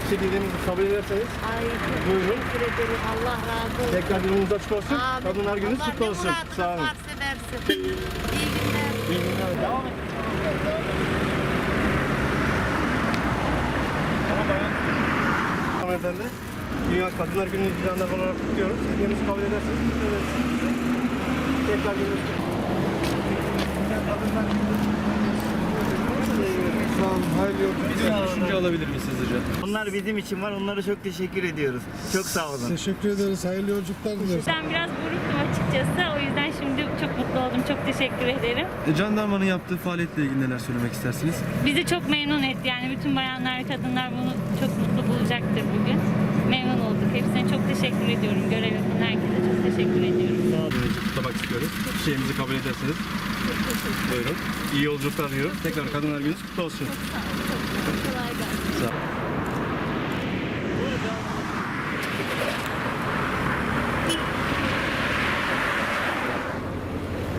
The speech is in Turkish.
dilediğimizi kabul ederseniz. Ay Buyurun. teşekkür ederim. Allah razı olsun. Tekrar yolunuz açık olsun. Amin. Kadınlar gününüz kutlu olsun. Allah ne Sağ olun. muradınız varsa versin. İyi günler. İyi günler. Devam et. Hanımefendi, Dünya Kadınlar Günü'nü düzenler olarak kutluyoruz. Hediyemizi kabul ederseniz kutlu ederiz. Tekrar gününüz kutlu olsun. Sağ olun, hayırlı yolculuklar. Düşünce alabilir miyiz hızlıca? Onlar bizim için var. Onlara çok teşekkür ediyoruz. Çok sağ olun. Teşekkür ederiz, hayırlı yolculuklar dileriz. Ben biraz buruktum açıkçası. O yüzden şimdi çok mutlu oldum. Çok teşekkür ederim. Jandarmanın yaptığı faaliyetle ilgili neler söylemek istersiniz? Bizi çok memnun etti. Yani bütün bayanlar, kadınlar bunu çok mutlu bulacaktır bugün. Memnun olduk. Hepsine çok teşekkür ediyorum. Görev yapan herkese çok teşekkür ediyorum. Böylece kutlamak istiyoruz. Şeyimizi kabul ederseniz. Buyurun. İyi yolculuklar diliyorum. Tekrar Kadınlar Günü'nüz kutlu olsun. Kolay gelsin. Sağ olun.